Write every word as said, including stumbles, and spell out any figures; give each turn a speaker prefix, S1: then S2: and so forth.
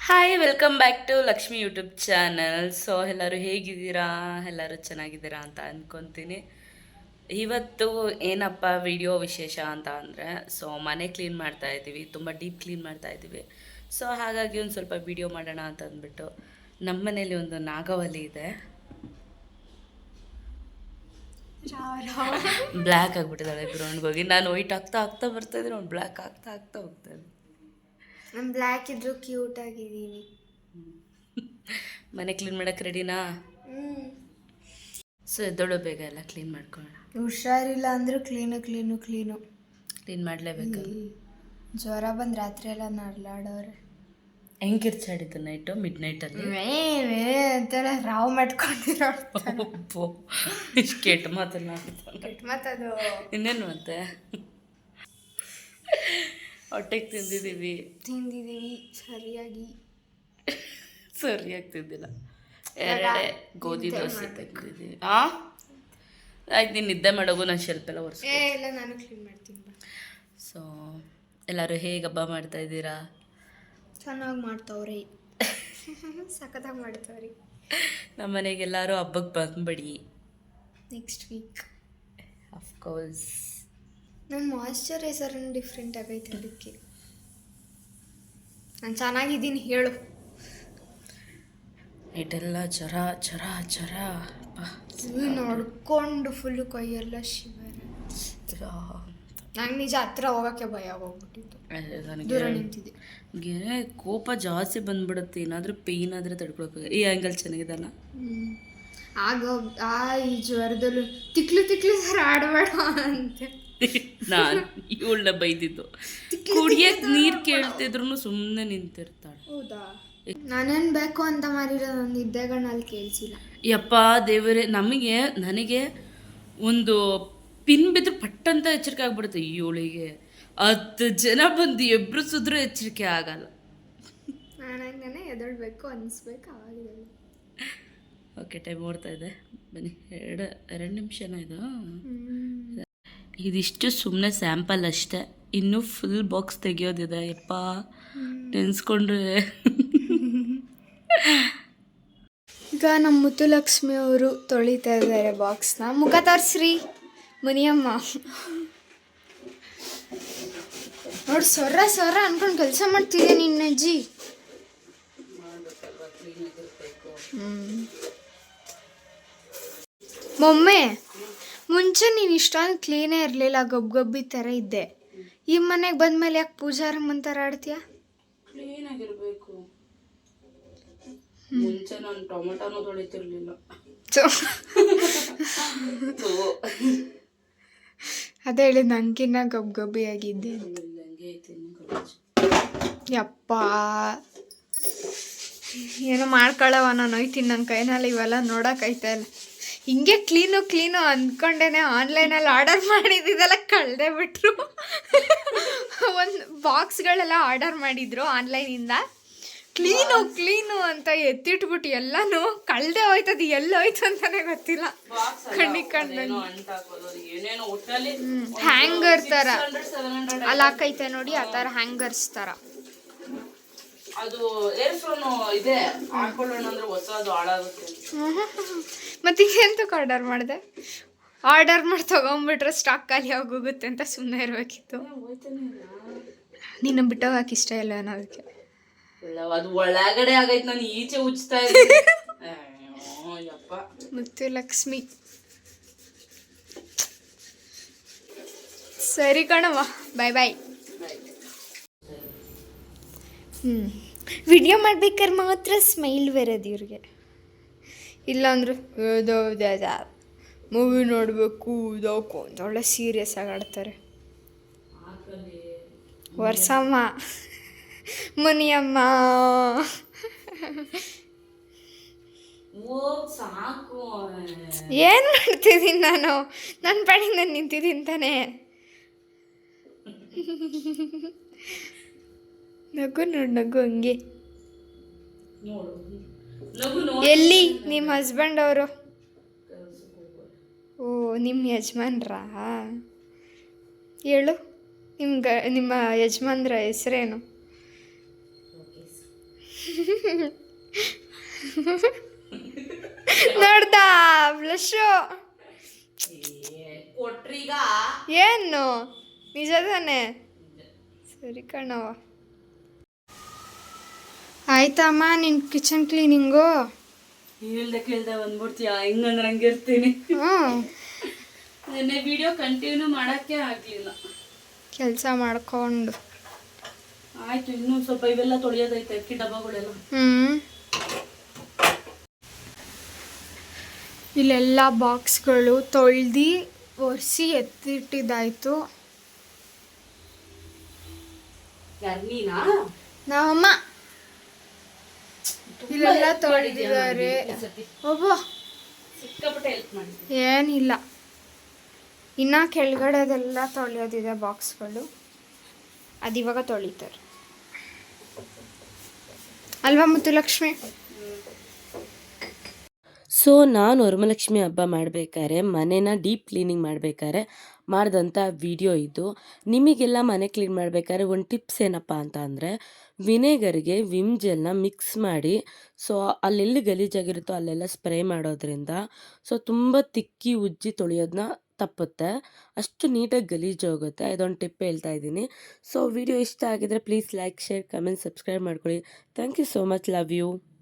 S1: Hi welcome back to Lakshmi YouTube channel. So ಎಲ್ಲರೂ ಹೇಗಿದ್ದೀರಾ? ಎಲ್ಲರೂ ಚೆನ್ನಾಗಿದ್ದೀರಾ ಅಂತ ಅಂದ್ಕೊತೀನಿ. ಇವತ್ತು ಏನಪ್ಪ ವಿಡಿಯೋ ವಿಶೇಷ ಅಂತ ಅಂದರೆ, ಸೊ ಮನೆ ಕ್ಲೀನ್ ಮಾಡ್ತಾ ಇದ್ದೀವಿ, ತುಂಬ ಡೀಪ್ ಕ್ಲೀನ್ ಮಾಡ್ತಾ ಇದ್ದೀವಿ. ಸೊ ಹಾಗಾಗಿ ಒಂದು ಸ್ವಲ್ಪ ವಿಡಿಯೋ ಮಾಡೋಣ ಅಂತ ಅಂದ್ಬಿಟ್ಟು, ನಮ್ಮ ಮನೇಲಿ ಒಂದು ನಾಗವಲ್ಲಿ ಇದೆ, ಬ್ಲ್ಯಾಕ್ ಆಗಿಬಿಟ್ಟಿದ್ದಾಳೆ ಗ್ರೌಂಡ್ಗೆ ಹೋಗಿ. ನಾನು ವೈಟ್ ಆಗ್ತಾ ಆಗ್ತಾ ಬರ್ತಾಯಿದ್ರೆ ಅವ್ನು ಬ್ಲ್ಯಾಕ್ ಆಗ್ತಾ ಆಗ್ತಾ ಹೋಗ್ತಾಯಿದ್ದೆ.
S2: ನಾನು ಬ್ಲ್ಯಾಕ್ ಇದ್ರು ಕ್ಯೂಟ್ ಆಗಿದ್ದೀನಿ.
S1: ಮನೆ ಕ್ಲೀನ್ ಮಾಡೋಕ್ಕೆ ರೆಡಿನಾ? ಸೊ ಎದ್ದೋಳು, ಬೇಗ ಎಲ್ಲ ಕ್ಲೀನ್ ಮಾಡ್ಕೊಳ್ಳೋಣ.
S2: ಹುಷಾರಿಲ್ಲ ಅಂದರೂ ಕ್ಲೀನು ಕ್ಲೀನು ಕ್ಲೀನು
S1: ಕ್ಲೀನ್ ಮಾಡಲೇಬೇಕು.
S2: ಜ್ವರ ಬಂದು ರಾತ್ರಿ ಎಲ್ಲ ನಡ್ಲಾಡೋರೆ.
S1: ಹೆಂಗೆ ಕಿರ್ಚಾಡಿದ್ದು ನೈಟು ಮಿಡ್ ನೈಟಲ್ಲಿ
S2: ಅಂತೆಲ್ಲ ರಾವ್ ಮಾಡ್ಕೊಂಡಿರೋ
S1: ಇಷ್ಟು ಕೆಟ್ಟ ಮಾತಲ್ಲ.
S2: ಕೆಟ್ಟ ಮಾತದು.
S1: ಇನ್ನೇನು ಮತ್ತೆ ಹೊಟ್ಟೆಗೆ ತಿಂದಿದ್ದೀವಿ
S2: ತಿಂದಿದ್ದೀವಿ ಸರಿಯಾಗಿ
S1: ಸರಿಯಾಗಿ ತಿಂದಿಲ್ಲ. ಎರಡೇ ಗೋಧಿ ದೋಸೆ ತಿಂದಿದ್ದೀವಿ. ಹಾಂ ಆಯ್ತು, ನೀನು ನಿದ್ದೆ ಮಾಡೋಗು, ನಾನು ಶೆಲ್ಫ್ ಎಲ್ಲ ಒರೆಸಿ.
S2: ಇಲ್ಲ, ನಾನು ಕ್ಲೀನ್ ಮಾಡ್ತೀನಿ.
S1: ಸೊ ಎಲ್ಲರೂ ಹೇಗೆ ಹಬ್ಬ ಮಾಡ್ತಾ ಇದ್ದೀರಾ?
S2: ಚೆನ್ನಾಗಿ ಮಾಡ್ತಾವ್ರಿ, ಸಖತ್ತಾಗಿ ಮಾಡ್ತಾವ್ರಿ.
S1: ನಮ್ಮ ಮನೆಗೆ ಎಲ್ಲರೂ ಹಬ್ಬಕ್ಕೆ ಬಂದ್ಬಿಡಿ
S2: ನೆಕ್ಸ್ಟ್ ವೀಕ್.
S1: ಅಫ್ಕೋರ್ಸ್.
S2: ನನ್ನ ಮಾಯ್ಶ್ಚರೈಸರ್ನ ಡಿಫ್ರೆಂಟ್ ಆಗೈತೆ, ಅದಕ್ಕೆ ನಾನು ಚೆನ್ನಾಗಿದ್ದೀನಿ ಹೇಳು.
S1: ನೈಟೆಲ್ಲ ಜ್ವರ ಜ್ವರ ಜ್ವರ
S2: ನೋಡ್ಕೊಂಡು ಫುಲ್ಲು ಕೈಯೆಲ್ಲ ಶಿವರ. ನಂಗೆ ನಿಜ ಹತ್ರ ಹೋಗೋಕ್ಕೆ ಭಯ ಹೋಗ್ಬಿಟ್ಟಿತ್ತು, ದೂರ ನಿಂತಿದ್ದೆ.
S1: ನನಗೆ ಕೋಪ ಜಾಸ್ತಿ ಬಂದ್ಬಿಡುತ್ತೆ, ಏನಾದರೂ ಪೇಯ್ನ್ ಆದರೆ ತಡ್ಕೊಳಕ್ಕೆ. ಈ ಆ್ಯಂಗಲ್ ಚೆನ್ನಾಗಿದಲ್ಲ.
S2: ಆಗ ಆ ಈ ಜ್ವರದಲ್ಲೂ ತಿಕ್ಲು ತಿಕ್ಲು ಸರ್ ಆಡಬೇಡ ಅಂತೆ
S1: ನಾನು ಇವಳನ್ನ ಬೈದಿದ್ದು. ಕುಡಿಯಕ್ಕೆ ನೀರು ಕೇಳ್ತಿದ್ರು ಸುಮ್ಮನೆ ನಿಂತಿರ್ತಾಳೆ.
S2: ಹೌದಾ? ನಾನೇನು ಬೇಕು ಅಂತ ಮಾರಿರೋ ನನ್ನ ನಿದ್ದೆಗಳಲ್ಲಿ ಕೇಳಿಸಿಲ್ಲ.
S1: ಯಪ್ಪ ದೇವರೇ, ನಮಗೆ ನನಗೆ ಒಂದು ಪಿನ್ ಬಿದ್ದು ಪಟ್ಟಂತ ಎಚ್ಚರಿಕೆ ಆಗ್ಬಿಡುತ್ತೆ. ಇವಳಿಗೆ ಹತ್ತು ಜನ ಬಂದು ಎಬ್ರಿಸಿದ್ರೂ ಎಚ್ಚರಿಕೆ ಆಗಲ್ಲ.
S2: ನಾನೇ ಎದೊಳ್ಬೇಕು ಅನಿಸ್ಬೇಕು ಆಗಿದೆ.
S1: ಓಕೆ, ಟೈಮ್ ಓಡ್ತಾ ಇದೆ, ಬನ್ನಿ. ಎರಡು ಎರಡು ನಿಮಿಷನ ಇದು. ಇದಿಷ್ಟು ಸುಮ್ಮನೆ ಸ್ಯಾಂಪಲ್ ಅಷ್ಟೇ, ಇನ್ನೂ ಫುಲ್ ಬಾಕ್ಸ್ ತೆಗಿಯೋದಿದೆ. ಯಪ್ಪ ನೆನೆಸ್ಕೊಂಡ್ರೆ.
S2: ಈಗ ನಮ್ಮ ಮುತ್ತುಲಕ್ಷ್ಮಿ ಅವರು ತೊಳಿತಾ ಇದ್ದಾರೆ ಬಾಕ್ಸ್ನ. ಮುಖ ತೋರಿಸ್ರಿ ಮುನಿಯಮ್ಮ. ನೋಡಿ, ಸೊರ್ರ ಸೊರ್ರ ಅನ್ಕೊಂಡು ಕೆಲಸ ಮಾಡ್ತಿದ್ದೆ ನಿನ್ನ ಅಜ್ಜಿ. ಮೊಮ್ಮೆ, ಮುಂಚೆ ನೀನು ಇಷ್ಟೊಂದು ಕ್ಲೀನೇ ಇರಲಿಲ್ಲ, ಗಬ್ಬು ಗಬ್ಬಿ ಥರ ಇದ್ದೆ. ಈ ಮನೆಗೆ ಬಂದ್ಮೇಲೆ ಯಾಕೆ ಪೂಜಾರಮ್ಮನ ಥರ ಆಡ್ತೀಯ?
S1: ಕ್ಲೀನ್ ಆಗಿರಬೇಕು. ಮುಂಚೆ ನಾನು ಟೊಮೆಟೊನೂ ತೊಳಿತಿರ್ಲಿಲ್ಲ.
S2: ಅದೇ ಹೇಳಿದ್, ನನಗಿನ್ನ ಗಬ್ಬು ಗಬ್ಬಿ ಆಗಿದ್ದೆ. ಯಪ್ಪ, ಏನೋ ಮಾಡ್ಕೊಳ್ಳವ, ನಾನು ಹೋಯ್ತೀನಿ. ನನ್ನ ಕೈನಲ್ಲಿ ಇವೆಲ್ಲ ನೋಡೋಕೈತೆ ಇಲ್ಲ. ಹಿಂಗೆ ಕ್ಲೀನು ಕ್ಲೀನು ಅಂದ್ಕೊಂಡೇನೆ ಆನ್ಲೈನಲ್ಲಿ ಆರ್ಡರ್ ಮಾಡಿದ್ದೆಲ್ಲ ಕಳೆದೇ ಬಿಟ್ರು. ಒಂದು ಬಾಕ್ಸ್ಗಳೆಲ್ಲ ಆರ್ಡರ್ ಮಾಡಿದ್ರು ಆನ್ಲೈನಿಂದ. ಕ್ಲೀನು ಕ್ಲೀನು ಅಂತ ಎತ್ತಿಟ್ಬಿಟ್ಟು ಎಲ್ಲನೂ ಕಳೆದೇ ಹೋಯ್ತದು, ಎಲ್ಲ ಹೋಯ್ತು ಅಂತಲೇ ಗೊತ್ತಿಲ್ಲ. ಕಣ್ಣಿ ಕಣ್ಣು ಹ್ಯಾಂಗರ್ ಥರ ಅಲ್ಲಿ ಹಾಕೈತೆ ನೋಡಿ, ಆ ಥರ ಹ್ಯಾಂಗರ್ಸ್ ಥರ.
S1: ಅದು ಏರ್ ಫ್ರೋನು ಇದೆ, ಹಾಕೊಳ್ಳೋಣ ಅಂದ್ರೆ ಹೊಸದು ಹಾಳಾಗುತ್ತೆ.
S2: ಮತ್ತೆ ಎಂತಕ್ಕೆ ಆರ್ಡರ್ ಮಾಡಿದೆ? ಆರ್ಡರ್ ಮಾಡಿ ತೊಗೊಂಬಿಟ್ರೆ ಸ್ಟಾಕ್ ಖಾಲಿ ಆಗೋಗುತ್ತೆ ಅಂತ ಸುಮ್ಮನೆ ಇರಬೇಕಿತ್ತು. ನಿನ್ನ ಬಿಟ್ಟೋಗಕ್ಕೆ ಇಷ್ಟ ಇಲ್ಲ ಅನ್ನೋದಕ್ಕೆ.
S1: ಅದು ಒಳಗಡೆ ಆಗೈತೆ, ನಾನು ಈಚೆ ಉಜ್ತಾ ಇದ್ದೀನಿ.
S2: ಮುತ್ತು ಲಕ್ಷ್ಮಿ ಸರಿ ಕಣವ, ಬಾಯ್ ಬಾಯ್. ಹ್ಞೂ, ವಿಡಿಯೋ ಮಾಡ್ಬೇಕಾದ್ರೆ ಮಾತ್ರ ಸ್ಮೈಲ್ ಬರೋದು ಇವ್ರಿಗೆ. ಇಲ್ಲಾಂದ್ರೆ ಏದೋ ಮೂವಿ ನೋಡಬೇಕು ಇದೋಕು ಅಂತ ಒಳ್ಳೆ ಸೀರಿಯಸ್ ಆಗಿ ಆಡ್ತಾರೆ. ವರ್ಷಮ್ಮ, ಮುನಿಯಮ್ಮ, ಏನು ಮಾಡ್ತಿದ್ದೀನಿ ನಾನು? ನನ್ನ ಪಾಡಿಗೆ ನಾನು ನಿಂತಿದ್ದೀನಿ ತಾನೇ. ನಗು ನೋಡು, ನಗು ಹಂಗೆ. ಎಲ್ಲಿ ನಿಮ್ಮ ಹಸ್ಬೆಂಡ್ ಅವರು? ಓ, ನಿಮ್ಮ ಯಜಮಾನ್ರಾ? ಹೇಳು, ನಿಮ್ಮ ಗ ನಿಮ್ಮ ಯಜಮಾನ್ರ ಹೆಸರೇನು? ನೋಡ್ದಾ ಬ್ಲಶು
S1: ಕೊಟ್ರೀಗ
S2: ಏನು ನಿಜ ತಾನೆ ಸರಿ ಕಣವ ಆಯ್ತಮ್ಮ ನಿನ್ ಕಿಚನ್ ಕ್ಲೀನಿಂಗು
S1: ಹೇಳ್ದೆ ಕೇಳ್ದೆ ಬಂದ್ಬಿಡ್ತೀಯ ಹಿಂಗಂದ್ರೆ ಹಂಗಿರ್ತೀನಿ
S2: ಹ್ಞೂ
S1: ನೆನ್ನೆ ವಿಡಿಯೋ ಕಂಟಿನ್ಯೂ ಮಾಡೋಕ್ಕೆ ಆಗಲಿಲ್ಲ.
S2: ಕೆಲಸ ಮಾಡ್ಕೊಂಡು
S1: ಆಯ್ತು, ಇನ್ನೂ ಸ್ವಲ್ಪ ಇವೆಲ್ಲ ತೊಳೆಯೋದೈತೆ ಅಕ್ಕಿ ಡಬ್ಬಗಳೆಲ್ಲ.
S2: ಹ್ಞೂ ಇಲ್ಲೆಲ್ಲ ಬಾಕ್ಸ್ಗಳು ತೊಳ್ದು ಒರೆಸಿ ಎತ್ತಿಟ್ಟಿದ್ದಾಯ್ತು.
S1: ಯಾರು ನೀನಾ?
S2: ನಾವಮ್ಮ ಇಲ್ಲೆಲ್ಲ ತೊಳೆದಿದ್ದಾರೆ. ಒಬ್ಬ
S1: ಸಿಕ್ಕಾಪಟ್ಟೆ ಹೆಲ್ಪ್ ಮಾಡಿದ್ದೆ.
S2: ಏನಿಲ್ಲ, ಇನ್ನು ಕೆಳಗಡೆದೆಲ್ಲ ತೊಳೆಯೋದಿದೆ ಬಾಕ್ಸ್ಗಳು, ಅದಿವಾಗ ತೊಳಿತಾರೆ ಅಲ್ವಾ ಮುತ್ತುಲಕ್ಷ್ಮಿ?
S3: ಸೊ ನಾನು ವರಮಲಕ್ಷ್ಮಿ ಹಬ್ಬ ಮಾಡಬೇಕಾದ್ರೆ ಮನೇನ ಡೀಪ್ ಕ್ಲೀನಿಂಗ್ ಮಾಡಬೇಕಾದ್ರೆ ಮಾಡಿದಂಥ ವಿಡಿಯೋ ಇದು. ನಿಮಗೆಲ್ಲ ಮನೆ ಕ್ಲೀನ್ ಮಾಡಬೇಕಾದ್ರೆ ಒಂದು ಟಿಪ್ಸ್ ಏನಪ್ಪ ಅಂತ ಅಂದರೆ, ವಿನೆಗರ್ಗೆ ವಿಮ್ ಜೆಲ್ನ ಮಿಕ್ಸ್ ಮಾಡಿ ಸೊ ಅಲ್ಲೆಲ್ಲಿ ಗಲೀಜಾಗಿರುತ್ತೋ ಅಲ್ಲೆಲ್ಲ ಸ್ಪ್ರೇ ಮಾಡೋದ್ರಿಂದ ಸೊ ತುಂಬ ತಿಕ್ಕಿ ಉಜ್ಜಿ ತೊಳೆಯೋದನ್ನ ತಪ್ಪುತ್ತೆ, ಅಷ್ಟು ನೀಟಾಗಿ ಗಲೀಜು ಹೋಗುತ್ತೆ. ಇದೊಂದು ಟಿಪ್ ಹೇಳ್ತಾ ಇದ್ದೀನಿ. ಸೊ ವಿಡಿಯೋ ಇಷ್ಟ ಆಗಿದ್ರೆ please like, share, comment, subscribe ಮಾಡ್ಕೊಳ್ಳಿ. Thank you so much. Love you.